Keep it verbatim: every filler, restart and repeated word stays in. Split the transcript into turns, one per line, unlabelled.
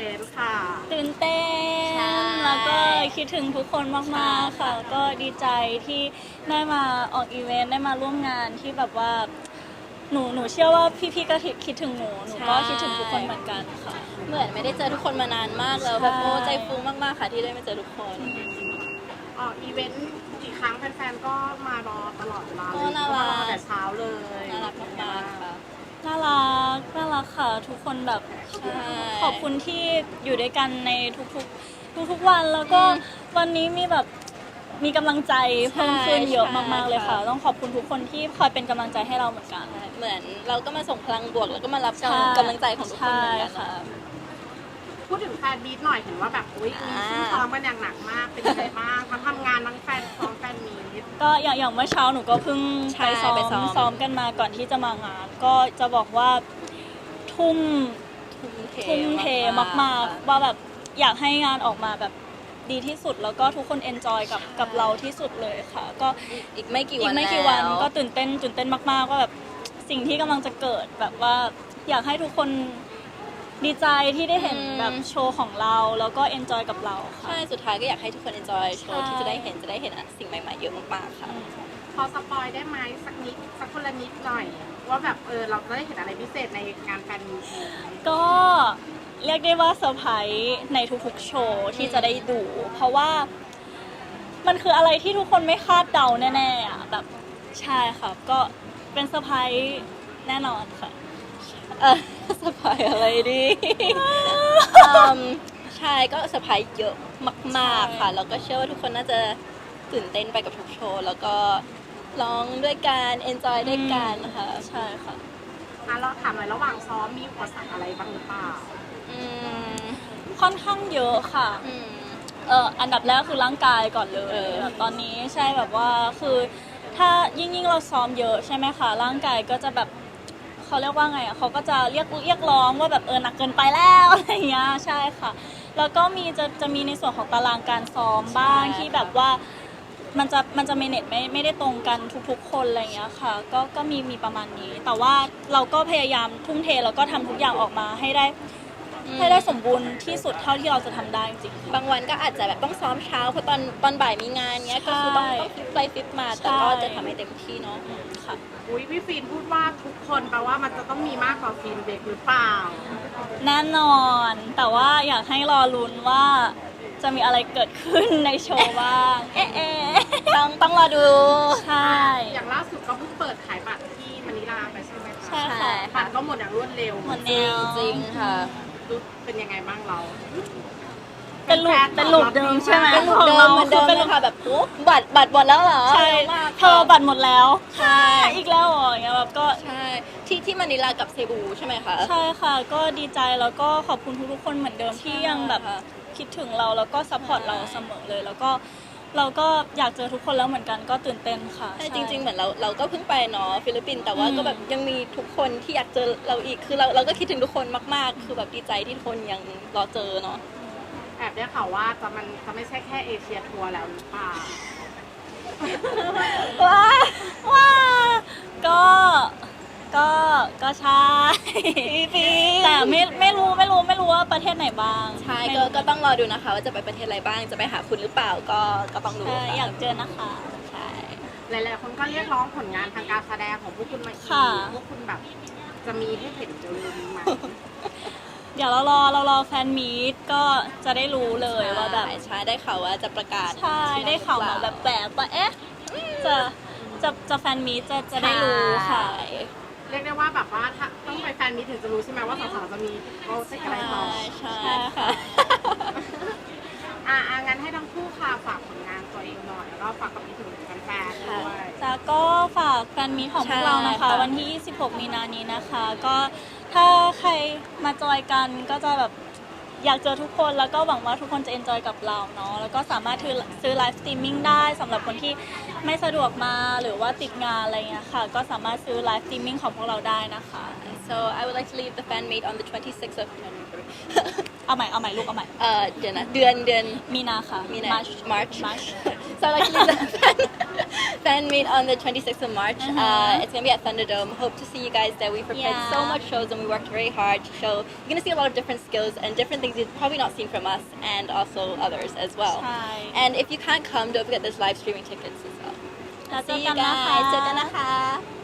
นต์ค่ะ
ตื่นเต้นแล้วก็คิดถึงทุกคนมากๆค่ะก็ดีใจที่ได้มาออกอีเวนต์ได้มาร่วมงานที่แบบว่าหนูหนูเชื่อว่าพี่ๆก็คิดถึงหนูหนูก็คิดถึงทุกคนเหมือนกันค่ะ
เหมือนไม่ได้เจอทุกคนมานานมากแล้วแบบโอ้ใจฟูมากๆค่ะที่ได้มาเจอทุกคน
ออกอีเวนต์กี่ครั้งแฟนๆก็มารอตลอดเวลาเลย
น่ารัก
แต่เช้าเลย
น่ารักมากๆค่ะ
น่ารักน่ารักค่ะทุกคนแบบขอบคุณที่อยู่ด้วยกันในทุกๆทุกๆวันแล้วก็วันนี้มีแบบมีกำลังใจเพิ่มขึ้นเยอะมากๆเลยค่ะต้องขอบคุณทุกคนที่คอยเป็นกำลังใจให้เราเหมือนกัน
เหมือนเราก็มาส่งพลังบวกแล้วก็มารับกำลังใจของทุกคนเหมือนกันค่ะ
พูดถึงแฟนบีทหน่อยเห็นว่าแบบอุ้ยมีซึ่งซ้อมกันอย่างหนักมากเป็นยังไงบ้างทั้งทำงานทั้งแฟนซ้อมแฟนมีท
ก็อย่างอย่างเมื่อเช้าหนูก็เพิ่งไปซ้อมซ้อมกันมาก่อนที่จะมางานก็จะบอกว่าทุ่มทุ่มเทมากๆว่าแบบอยากให้งานออกมาแบบดีที่สุดแล้วก็ทุกคนเอนจอยกับกับเราที่สุดเลยค่ะก็
อีกไม่กี่วัน
อีกไม่กี่วันก็ตื่นเต้นตื่นเต้นมากๆว่าแบบสิ่งที่กำลังจะเกิดแบบว่าอยากให้ทุกคนดีใจที่ได้เห็นแบบโชว์ของเราแล้วก็เอนจอยกับเราค่ะ
ใช่สุดท้ายก็อยากให้ทุกคนเอนจอยโชว์ที่จะได้เห็นจะได้เห็นสิ่งใหม่ๆเยอะมากๆค่ะ
พอสปอยได้ไหมสักนิดสักคนละนิดหน่อยว่าแบบเออเราจะได้เห็นอะไรพิเศษในงานแฟนมีต
ก็เรียกได้ว่าเซอร์ไพรส์ในทุกๆโชว์ที่จะได้ดูเพราะว่ามันคืออะไรที่ทุกคนไม่คาดเดาแน่ๆอ่ะแบบใช่ค่ะก็เป็นเซอร์ไพรส์แน่นอนค่ะ
เออเซอร์ไพรส์อะไรดีใช่ก็เซอร์ไพรส์เยอะมากๆค่ะแล้วก็เชื่อว่าทุกคนน่าจะตื่นเต้นไปกับทุกโชว์แล้วก็ร้องด้วยกันเอนจอยด้วยกันนะคะ
ใช่ค่ะ
อ่ะเราถามหน่อยระหว่างซ้อมมีอุปสรรคอะไรบ้างหรือเปล่า
อืมค่อนข้างเยอะค่ะเอ่ออันดับแรกคือร่างกายก่อนเลยแบบตอนนี้ใช่แบบว่าคือถ้ายิ่งยิ่งเราซ้อมเยอะใช่ไหมคะร่างกายก็จะแบบเขาเรียกว่าไงอ่ะเขาก็จะเรียกเรียกร้องว่าแบบเออหนักเกินไปแล้วอะไรอย่างเงี้ยใช่ค่ะแล้วก็มีจะจะมีในส่วนของตารางการซ้อมบ้างที่แบบว่ามันจะมันจะเมเนจไม่ไม่ได้ตรงกันทุกๆคนอะไรอย่างเงี้ยค่ะก็ก็มีมีประมาณนี้แต่ว่าเราก็พยายามทุ่มเทแล้วก็ทำทุกอย่างออกมาให้ได้ให้ได้สมบูรณ์ที่สุดเท่าที่เราจะทำได้จริง
บางวันก็อาจจะแบบต้องซ้อมเช้าเพราะตอนตอนบ่ายมีงานเนี้ยก็คือต้องต้องฟิตไปฟิตมาแต่ก็จะทำให้เต็มที่เนาะค่ะ
อุ้ยพี่ฟินพูดว่าทุกคนแปลว่ามันจะต้องมีมากกว่าฟินเบกหรือเปล่า
แน่นอนแต่ว่าอยากให้รอลุ้นว่าจะมีอะไรเกิดขึ้นในโชว์บ้างเอ๊ะ
ต้องต้องรอดู
ใช่
อย่างล่าสุดก็เพิ่งเปิดขายบัตรที่มะนิลาไปใช่ไหมคะ
ใช่ค่ะ
บัตรก็หมดอย่างรวดเร็ว
หมดเร็ว
จริงค่ะ
เป็นยังไงบ้างเรา
เป็นลูกเป็นลูกเดิมใช่ไหม
เป็นลูกเดิมเหมือนเดิมเลยค่ะแบบโอ้บัตรบัตรหมดแล้วเหรอ
ใช่เธอบัตรหมดแล้วใช่อีกแล้วเหรออย่างเงี้ยแบบก็
ใช่ที่ที่มะนิลากับเซบูใช่ไหมคะ
ใช่ค่ะก็ดีใจแล้วก็ขอบคุณทุกๆคนเหมือนเดิมที่ยังแบบคิดถึงเราแล้วก็ซัพพอร์ตเราเสมอเลยแล้วก็เราก็อยากเจอทุกคนแล้วเหมือนกันก็ตื่นเต้นค่ะ
ใช่จริงๆเหมือนเราเราก็เพิ่งไปเนาะฟิลิปปินส์แต่ว่าก็แบบยังมีทุกคนที่อยากเจอเราอีกคือเราเราก็คิดถึงทุกคนมากๆคือแบบดีใจที่ทุกคนยังรอเจอเนาะ
แอบได้ข่าวว่าจะมันจะไม่ใช่แค่เอเชียทัวร์แล้วหรือเปล่า
ว้าว้าก็ก็ก็ใช่แต่ไม่ไม่รู้ไม่รู้ไม่รู้ว่าประเทศไหนบ้าง
ใช่ก็ก็ต้องรอดูนะคะว่าจะไปประเทศอะไรบ้างจะไปหาคุณหรือเปล่าก็ก็ต้องดู
อยากเจอนะคะ
ใช่
หลายๆคนก็เรียกร้องผลงานทางการแสดงของพวกคุณมาอีกพวกคุณแบบจะมีให้เห็นเร็วๆนี้ไหม
เดี๋ยวเรารอเรารอแฟนมีตก็จะได้รู้เลยว่าแบบ
ใช่ได้ข่าวว่าจะประกาศ
ใช่ได้ข่าวมาแบบแบบว่าเอ๊ะจะจะจะแฟนมีตจะจะได้รู้ค่ะ
เรียกได้ว่าแบบว่าถ้าต้องไปแฟนมีตถึงจะรู้ใช่ไหมว่าสาวๆจะมีโปรเจกต์อะไรต่อ
ใช่ค่ะ
อ่ะงั้นให้ทั้งคู่ค่ะฝากผลงานตัวเองหน่อยแล้วก็ฝากกับพี่ถึงแฟนๆด้วย
จ้าก็ฝากแฟนมีตของพวกเรานะคะวันที่ยี่สิบหกมีนานี้นะคะก็ถ้าใครมาจอยกันก็จะแบบอยากเจอทุกคนแล้วก็หวังว่าทุกคนจะเอนจอยกับเราเนาะแล้วก็สามารถซื้อไลฟ์สตรีมมิ่งได้สำหรับคนที่ไม่สะดวกมาหรือว่าติดงานอะไรเงี้ยค่ะก็สามารถซื้อไลฟ์สตรีมมิ่งของพวกเราได้นะคะ
so I would like to leave the fan meet on the twenty-sixth of November
เอาใหม่เอาใหม่ลูกเอาใหม่
เออเดือนนะเดือนเดือน
มีนาค่ะ
มีนา
March
March
March
So actually the fan, fan meet on the twenty-sixth of March.
Uh-huh.
Uh, it's gonna be at Thunderdome. Hope to see you guys there. We prepared
Yeah.
so much shows and we worked very hard to show. You're gonna see a lot of different skills and different things you've probably not seen from us and also others as well.
ใช่
And if you can't come, don't forget there's live streaming tickets as well.
แล้วเจอ
See
กั
you
นนะคะ
guys. เจอกันนะคะ